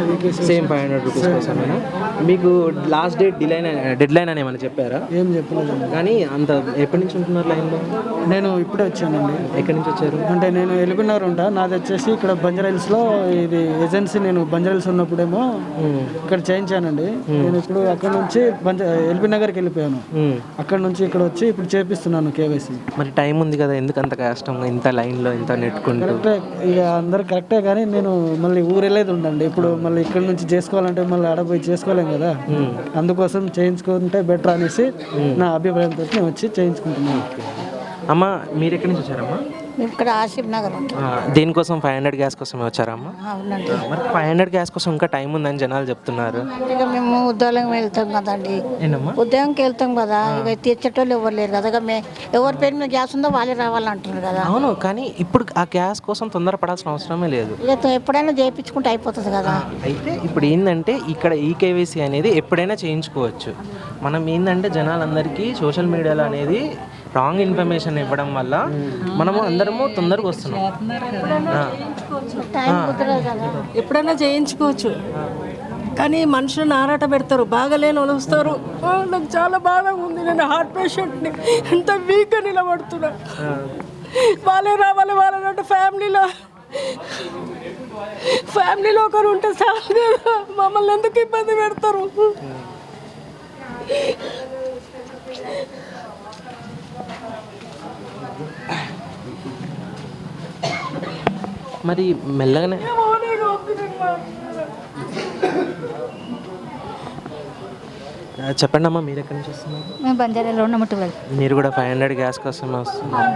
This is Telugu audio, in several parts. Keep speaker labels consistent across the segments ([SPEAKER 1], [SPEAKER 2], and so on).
[SPEAKER 1] Same 500 rupees కోసమేనా? మీకు లాస్ట్ డెడ్ లైన్ అని ఏమైనా చెప్పారా?
[SPEAKER 2] ఏం చెప్పలేదు
[SPEAKER 1] కానీ అంత ఎప్పటి నుంచి ఉంటున్నారు లైన్లో?
[SPEAKER 2] నేను ఇప్పుడే వచ్చానండి.
[SPEAKER 1] ఎక్కడి నుంచి వచ్చారు?
[SPEAKER 2] అంటే నేను ఎల్బీనగర్ ఉంటా, నాది వచ్చేసి ఇక్కడ బంజారాహిల్స్లో ఇది ఏజెన్సీ. నేను బంజారాహిల్స్ ఉన్నప్పుడేమో ఇక్కడ చేయించానండి. నేను ఇప్పుడు అక్కడ నుంచి ఎల్బీనగర్కి వెళ్ళిపోయాను. అక్కడ నుంచి ఇక్కడ వచ్చి ఇప్పుడు చేపిస్తున్నాను కేవైసీ.
[SPEAKER 1] మరి టైం ఉంది కదా, ఎందుకు అంత కష్టం ఇంత లైన్లో ఇంత నెట్టుకుంటూ?
[SPEAKER 2] కరెక్టే, ఇక అందరు కరెక్టే, కానీ నేను మళ్ళీ ఊరు వెళ్ళేది ఉండండి. ఇప్పుడు మళ్ళీ ఇక్కడ నుంచి చేసుకోవాలంటే మళ్ళీ ఆడపోయి చేసుకోలేం కదా, అందుకోసం చేయించుకుంటే బెటర్ అనేసి నా అభిప్రాయంతో నేను వచ్చి చేయించుకుంటున్నాను.
[SPEAKER 1] అమ్మ మీరు ఎక్కడి నుంచి వచ్చారమ్మా?
[SPEAKER 3] ఇక్కడ ఆసిఫ్ నగర్.
[SPEAKER 1] దేనికోసం? 500 గ్యాస్ కోసమే వచ్చారమ్మా?
[SPEAKER 3] అవునండి.
[SPEAKER 1] మరి 500 గ్యాస్ కోసం ఇంకా టైం ఉందని జనాలు చెప్తున్నారు.
[SPEAKER 3] ఇక మేము ఉద్యోగం వెళ్తాం కదండి,
[SPEAKER 1] ఏంటమ్మా?
[SPEAKER 3] ఉద్యోగంకి వెళ్తాం కదా, ఇక తెచ్చేటోళ్ళు ఎవరు లేరు కదా, ఎవరి పేరు మీద గ్యాస్ ఉందో వాళ్ళే రావాలంటున్నారు కదా.
[SPEAKER 1] అవును, కానీ ఇప్పుడు ఆ గ్యాస్ కోసం తొందరపడాల్సిన అవసరమే లేదు.
[SPEAKER 3] ఇక ఎప్పుడైనా చేయించుకుంటే అయిపోతుంది కదా.
[SPEAKER 1] అయితే ఇప్పుడు ఏంటంటే ఇక్కడ ఈకేవైసీ అనేది ఎప్పుడైనా చేయించుకోవచ్చు. మనం ఏంటంటే జనాలందరికీ సోషల్ మీడియాలో అనేది రాంగ్ ఇన్ఫర్మేషన్ ఇవ్వడం వల్ల మనము అందరము తొందరగా వస్తున్నాం.
[SPEAKER 4] ఎప్పుడైనా చేయించుకోవచ్చు, కానీ మనుషులను ఆరాట పెడతారు, బాగాలేని వాళ్ళు వస్తారు. నాకు చాలా బాగా ఉంది, నేను హార్ట్ పేషెంట్ని, ఎంత వీక్గా నిలబడుతున్నా. వాళ్ళే రావాలి, వాళ్ళంటే ఫ్యామిలీలో ఒకరు ఉంటే చాలు కదా, మమ్మల్ని ఎందుకు ఇబ్బంది పెడతారు?
[SPEAKER 1] మరి మెల్లగానే చెప్పండి అమ్మా, మీరు ఎక్కడి నుంచి వస్తున్నారు?
[SPEAKER 5] మేము బంజారాలో ఉన్నాము.
[SPEAKER 1] మీరు కూడా 500 గ్యాస్ కోసమే వస్తున్నారు.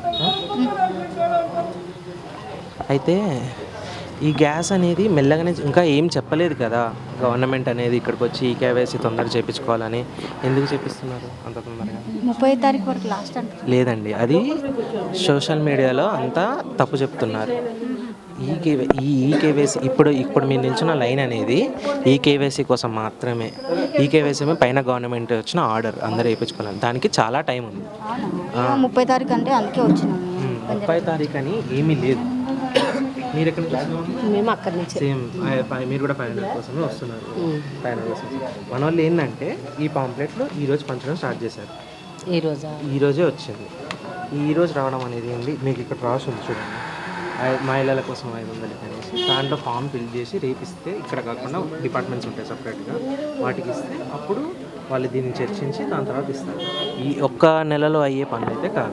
[SPEAKER 1] అయితే ఈ గ్యాస్ అనేది మెల్లగానే, ఇంకా ఏం చెప్పలేదు కదా గవర్నమెంట్ అనేది ఇక్కడికి వచ్చి ఈ కేవైసీ తొందరగా చేయించుకోవాలని. ఎందుకు చేపిస్తున్నారు అంత తొందరగా?
[SPEAKER 5] 30వ తారీఖు వరకు లాస్ట్ అంటే
[SPEAKER 1] లేదండి, అది సోషల్ మీడియాలో అంతా తప్పు చెప్తున్నారు. ఈ కేవైసీ ఇప్పుడు మీరు నిల్చున్న లైన్ అనేది ఈ కేవైసీ కోసం మాత్రమే. ఈ కేవైసీ పైన గవర్నమెంట్ వచ్చిన ఆర్డర్ అందరూ వేయించుకోవాలి, దానికి చాలా టైం ఉంది.
[SPEAKER 5] 30వ తారీఖు అంటే అందుకే వచ్చినాము.
[SPEAKER 1] 30వ తారీఖు అని ఏమీ లేదు. మీరు ఎక్కడి నుంచి?
[SPEAKER 4] మేము అక్కడి నుంచి.
[SPEAKER 1] సేమ్ మీరు కూడా 500 కోసమే వస్తున్నారు. 500 కోసం మన వాళ్ళు ఏంటంటే ఈ పాంప్లెట్లు ఈరోజు పంచడం స్టార్ట్ చేశారు. ఈరోజే వచ్చింది. ఈరోజు రావడం అనేది ఏంటి, మీకు ఇక్కడ రాసి ఉంది చూడండి, మహిళల కోసం 500 అనేసి. దాంట్లో ఫామ్ ఫిల్ చేసి రేపిస్తే, ఇక్కడ కాకుండా డిపార్ట్మెంట్స్ ఉంటాయి సపరేట్గా, వాటికి ఇస్తే అప్పుడు వాళ్ళు దీన్ని చర్చించి దాని తర్వాత ఇస్తారు. ఈ ఒక్క నెలలో అయ్యే పనులు అయితే కాదు.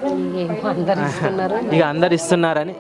[SPEAKER 1] ఇక అందరు ఇస్తున్నారని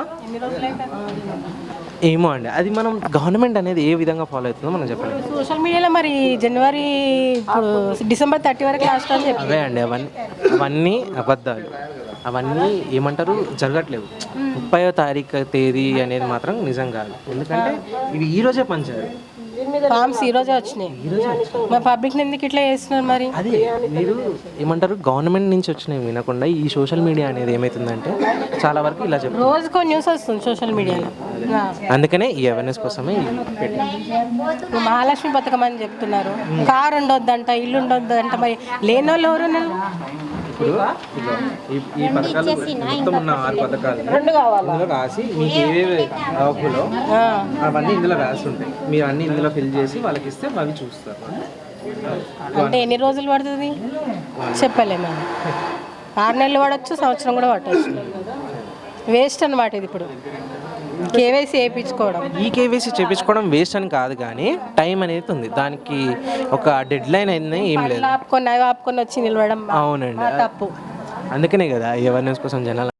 [SPEAKER 1] ఏమో అండి, అది మనం గవర్నమెంట్ అనేది ఏ విధంగా ఫాలో అవుతుందో మనం చెప్పలేదు.
[SPEAKER 4] సోషల్ మీడియాలో మరి జనవరి ఇప్పుడు డిసెంబర్ 30 వరకు లాస్ట్ అని చెప్పి
[SPEAKER 1] అవే అండి, అవన్నీ అబద్ధాలు. అవన్నీ ఏమంటారు, జరగట్లేవు. 30వ తారీఖు తేదీ అనేది మాత్రం నిజం కాదు. ఎందుకంటే ఇవి ఈరోజే పంచారు
[SPEAKER 4] ఫామ్స్, ఈరోజే వచ్చినాయి. మా పబ్లిక్ ఎందుకు ఇట్లా చేస్తున్నారు మరి?
[SPEAKER 1] అదే మీరు ఏమంటారు, గవర్నమెంట్ నుంచి వచ్చినవి వినకుండా ఈ సోషల్ మీడియా అనేది ఏమవుతుందంటే చాలా వరకు ఇలా చెప్తారు.
[SPEAKER 4] రోజుకో న్యూస్ వస్తుంది సోషల్ మీడియాలో.
[SPEAKER 1] అందుకనే ఈ అవేర్నెస్ కోసమే
[SPEAKER 4] మహాలక్ష్మి పథకం అని చెప్తున్నారు. కారు ఉండొద్దంట, ఇల్లు ఉండొద్దంట. మరి లేని వాళ్ళు ఎవరు?
[SPEAKER 1] ఇప్పుడు ఈ పథకాలు మొత్తం ఉన్న 6 పథకాలు ఇందులో రాసి మీకు ఏవేవి హక్కులో అవన్నీ ఇందులో రాసి ఉంటాయి. మీరు అన్ని ఇందులో ఫిల్ చేసి వాళ్ళకి ఇస్తే అవి చూస్తారు.
[SPEAKER 4] అంటే ఎన్ని రోజులు పడుతుంది చెప్పలేము. 6 నెలలు పడవచ్చు, సంవత్సరం కూడా పట్టవచ్చు. వేస్ట్ అన్నమాట ఇది. ఇప్పుడు కేవైసీ చేయించుకోవడం,
[SPEAKER 1] ఈ కేవైసీ చేయించుకోవడం వేస్ట్ అని కాదు, కానీ టైం అనేది ఉంది. దానికి ఒక డెడ్ లైన్ అనేది ఏం లేదు.
[SPEAKER 4] ఆపుకొని వచ్చి నిలవడం
[SPEAKER 1] అవునండి,
[SPEAKER 4] తప్పు.
[SPEAKER 1] అందుకనే కదా అవేర్నెస్ కోసం జనాలు